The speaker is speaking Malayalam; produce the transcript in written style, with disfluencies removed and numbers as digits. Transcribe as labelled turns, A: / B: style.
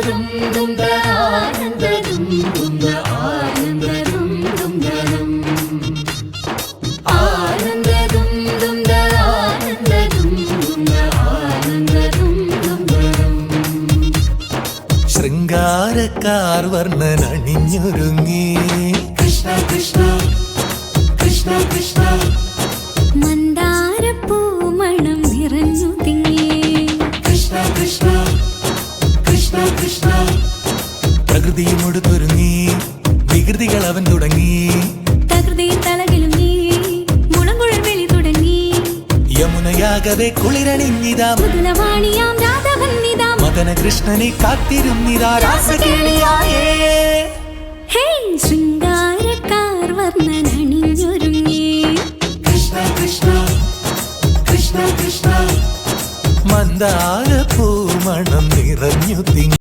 A: ശൃംഗാരക്കാർ വർണ്ണൻ അണിഞ്ഞൊരുങ്ങി
B: കൃഷ്ണ കൃഷ്ണ കൃഷ്ണ കൃഷ്ണ
C: മന്ദാരപ്പൂമണം നിറഞ്ഞു തിങ്ങി
B: കൃഷ്ണ കൃഷ്ണ കൃഷ്ണ കൃഷ്ണ
A: പ്രകൃതിയും ഒടുത്തൊരുങ്ങി വികൃതികൾ അവൻ തുടങ്ങി
C: തകൃതിയിൽ തലകിലും നീ മുളങ്കുഴൽ വിളി തുടങ്ങി
A: യമുനയാകവെ കുളിരണിഞ്ഞിതാ
C: മുതലവാണിയാം രാധവന്നിതാ
A: മദന കൃഷ്ണനെ കാത്തിരുന്നിതാ രാസകേളിയായേ
C: ഹേ ശൃംഗാരക്കാർ വർണ്ണൻ അണിഞ്ഞൊരുങ്ങി
B: കൃഷ്ണ കൃഷ്ണ കൃഷ്ണ കൃഷ്ണ
A: മന്ദാരപ്പൂമണം നിറഞ്ഞു തിങ്ങി